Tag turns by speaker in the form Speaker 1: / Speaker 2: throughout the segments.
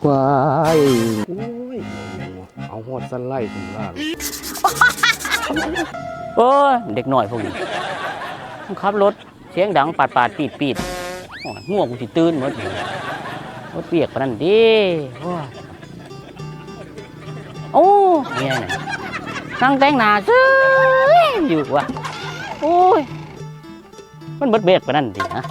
Speaker 1: ควายโอ้ยเอาหอดสไลด์ผมล่าง
Speaker 2: เออเด็กหน่อยพวกนี้ขับรถเสียงดังปาดปีดง่วงกูสิตื่นหมดรถเปียกปานนั้นดิโอ้เนี่ยนั่งแต่งหน้าซื้ออยู่วะโอ้ยมันเบิดเบียกปานนั้นดิฮะ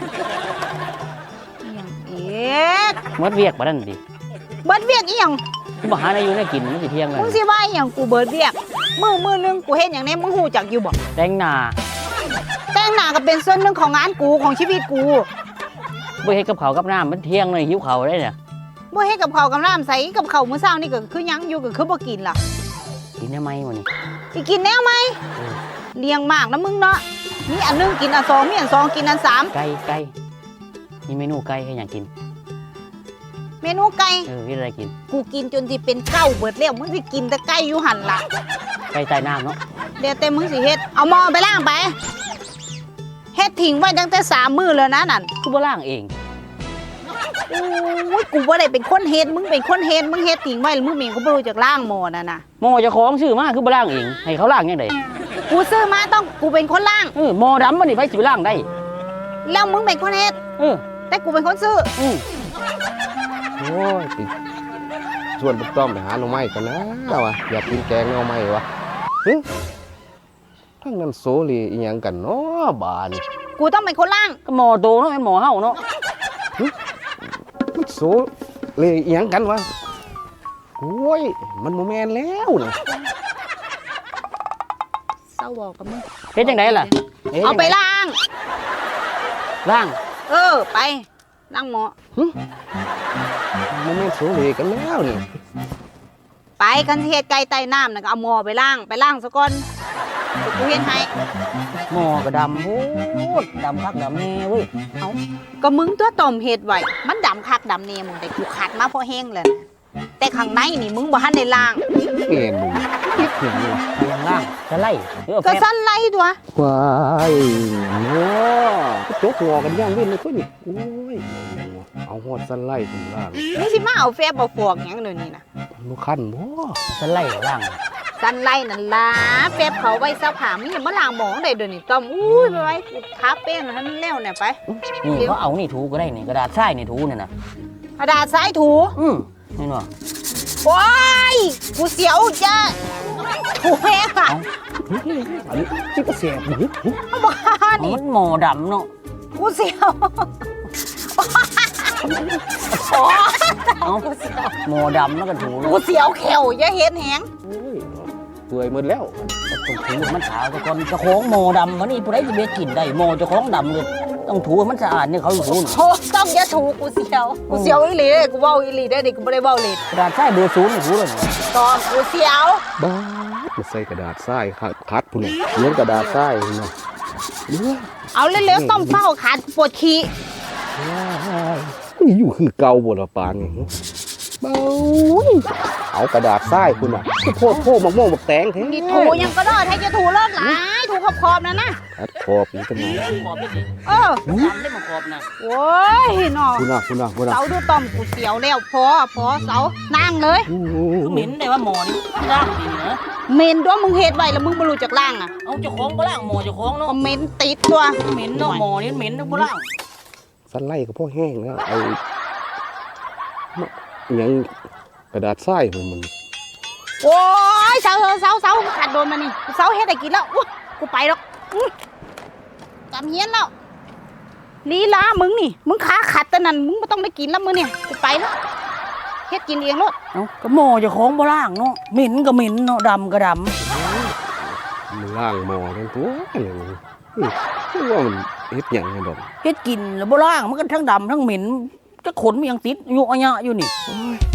Speaker 2: เบิดเบียกปานนั้นดิ
Speaker 3: เบิดเวียกอีหยัง
Speaker 2: กูมาหาในอยู่ในกินมันสิเที่ยงเลย
Speaker 3: มึงสิว่าอีหยังกูเบิดเวียกมือนึงกูเฮ็ดหยังแน่มึงฮู้จักอยู่บ่
Speaker 2: แต่งหน้า
Speaker 3: ก็เป็นส่วนหนึ่งของงานกูของชีวิตกู
Speaker 2: บ่เฮ็ดกับข้าวกับน้ำมันเที่ยงเลยหิวข้าวได้เนี่ย
Speaker 3: บ่เฮ็ดกับข้าวกับน้ำใส่กับข้าวมื้อเช้านี่ก็คือยังอยู่ก็คือบ่กินล่ะ
Speaker 2: กินได้ไหมวันนี้
Speaker 3: สิกินแนวไหมเลี้ยงมากนะมึงเนาะมีอันนึงกินอันสองมีอันสองกินอันสาม
Speaker 2: ไก่มีเมนูไก่ให้หยังกิน
Speaker 3: เมนูไก่
Speaker 2: มีอะไรกิน
Speaker 3: กูกินจนสิเป็นเก้าเบิดแล้วมึงสิกินแต่ไก่อยู่หั่นล่ะ
Speaker 2: ไก่ใต้น้ำเนาะ
Speaker 3: เดี๋ยวแต่มึงสิเฮ็ดเอาหม้อไปล้างไปเฮ็ดทิ้งไว้ตั้งแต่3 มื้อแล้วนะนั่น
Speaker 2: กูบ่ล้างเอง
Speaker 3: โอ้ยกูบ่ได้เป็นคนเฮ็ดมึงเป็นคนเฮ็ดมึงเฮ็ดทิ้งไว้แล้วมึงมีกูบ่รู้จักล้างหม้อนั่นน่ะ
Speaker 2: หม้อเจ้าของซื้อมาคือบ่ล้างเองให้เขาล้างจังได๋
Speaker 3: กูซื้อมาต้องกูเป็นคนล้าง
Speaker 2: หม้อดำมันนี่ไผสิไปล้างได้
Speaker 3: แล้วมึงเป็นคนเฮ็ดแต่กูเป็นคนซื้อ
Speaker 1: โอ้ยชวนปุ๊บต้อมไปหาหน่อไม้กันนะวะอยากกินแกงหน่อไม้วะทั้งนั้นโซลีอีหยังกันเนาะบาน
Speaker 3: กูต้องเป็นคนล่าง
Speaker 2: ก็หม้อโตเนาะเป็นหม้อเฮาเนาะ
Speaker 1: มันโซลีอีหยังกันวะโอ้ยมันโมแมนแล้วนะ
Speaker 3: เศร้าบอกกับมึง
Speaker 2: เฮ็ดจังได๋ล่ะ
Speaker 3: เอาไปล้าง
Speaker 2: ไป
Speaker 3: ล้างหม้อ
Speaker 1: โมแมนโซลีกันแล้วนี่
Speaker 3: ไปกันเฮ็ดไก่ใต้น้ำน่ะก็เอาหม้อไปล้างซะก่อนกูเฮ็ดให้
Speaker 2: หม้อก็ดำโอ้ดำคักดำแน่เว้ย
Speaker 3: เอาก็มึงตัวต้มเฮ็ดไว้มันดำคักดำแน่มึงแต่กูขัดมาพอแห้งแล้วแต่ข้างในนี่มึงบ่ทันได้ล้าง
Speaker 1: เอ็นมึงคิดถึงว่ะ
Speaker 2: ยังล้างจะไล่
Speaker 3: ก็สั่นไล่ตัว
Speaker 1: ควายโง่จกงอกันย่างเว้นเลยตัวนี้โอ้ยเอาหอดสั่นไล่ผมล่าง
Speaker 3: มึงสิมาเอาแฟบเอาฟอกหยังเดี๋ยวนี้นะ
Speaker 1: บ่คันบ่
Speaker 2: สั่นไล่ล่าง
Speaker 3: สั่นไล่นั่นล่ะแฟบเขาไว้ซักผ้ามึงอย่ามาล้างหม้อได้เดี๋ยวนี้ต้อมอุ้ยไปไว้ทาแป้งให้มันแล้วเนี่ยไป
Speaker 2: นี่เขาเอานี่ถูก็ได้นี่กระดาษทรายนี่ถูนี่นะ
Speaker 3: กระดาษทรายถู
Speaker 2: นี่เนาะ
Speaker 3: โอ้ยกูเสียวจ้ะถูแห้งอ่ะ
Speaker 1: อันนี้ที่ก็เสียบนี่
Speaker 3: บ้านี่
Speaker 2: มันหม้อดำเนาะ
Speaker 3: กูเสียว
Speaker 2: หม้อดำแล้วก็ถู
Speaker 3: กูเสียวแขวอย่าเห็นแหง
Speaker 1: เปื่อยหมดแล้ว
Speaker 2: ต้องถูมันขาวแต่ก่อนเจ้าของหม้อดำวันนี้ผู้ใดจะเบ็ดกินได้หม้อเจ้าของดำเลยต้องถูมันสะอาดนี่เขาถู
Speaker 3: โอ้ต้องอย่าถูกูเสียวอีหลีเลยกูเว้าอีหลีได้ดิกูไม่ได้เว้าเลย
Speaker 2: กระดาษทรายเบอร์0นี่ถูเลย
Speaker 3: ตอนกูเสียว
Speaker 1: บ้ามาใส่กระดาษทรายคัดพุ่นเลี้ยงกระดาษทรายเนาะ
Speaker 3: เอาเร็วๆต้มเฝ้าขาดปวดขี้
Speaker 1: นี่อยู่คือเก่าบ่ละปานนี่เบาเอากระดาษทรายคุณอ่ะโพดมะม่วงบักแตงแท้
Speaker 3: นี่ถูยังก็ได้ถ้าจะถูเลิกหลายถูขอบนะ
Speaker 1: คัดขอบนี่กันมา
Speaker 2: ได้มาขอบนะ
Speaker 3: โอ้ยเนาะ
Speaker 1: คุณ
Speaker 3: เสาดูต้มกูเสียวแล้วพอเสานั่งเลย
Speaker 2: เหม็นได้ว่าหมอนี่ล้างดีนะ
Speaker 3: เหม็นด้วยมึงเฮ็ดไว้แล้วมึงบ่รู้จักล้างอ่ะ
Speaker 2: เอาเจ้าของบ่ล้างหมอเจ้าของเนาะ
Speaker 3: เหม็นติดตัว
Speaker 2: เหม็นเนาะหมอนี่เหม็นบ่ล้าง
Speaker 1: สั่นไล่กับพ่อแห้งแล้วไอ้ยังกระดาษทรายมัน
Speaker 3: โอ้ยเสาขาดโดนมานี่เสาเฮ็ดได้กินแล้วกูไปแล้วกำเฮียนแล้วลีลามึงนี่มึงขาขัดแต่นั่นมึงไม่ต้องได้กินแล้วมึงเนี่ยกูไปแล้วเฮ็ดกินเองรถ
Speaker 2: เอ้าก็หม้อเจ้าของบ่ล้างเนาะเหม็นก็เหม็นเนาะดำก็ดำ
Speaker 1: มึงล้างหม้อทั้งตัวนี่ว่ามันเฮ็ดหยังไงดอก
Speaker 2: เฮ็ดกินแล้วบ่ล้างมันก็ทั้งดำทั้งเหม็นจะขนมันยังติดอยู่อะยะอยู่นี่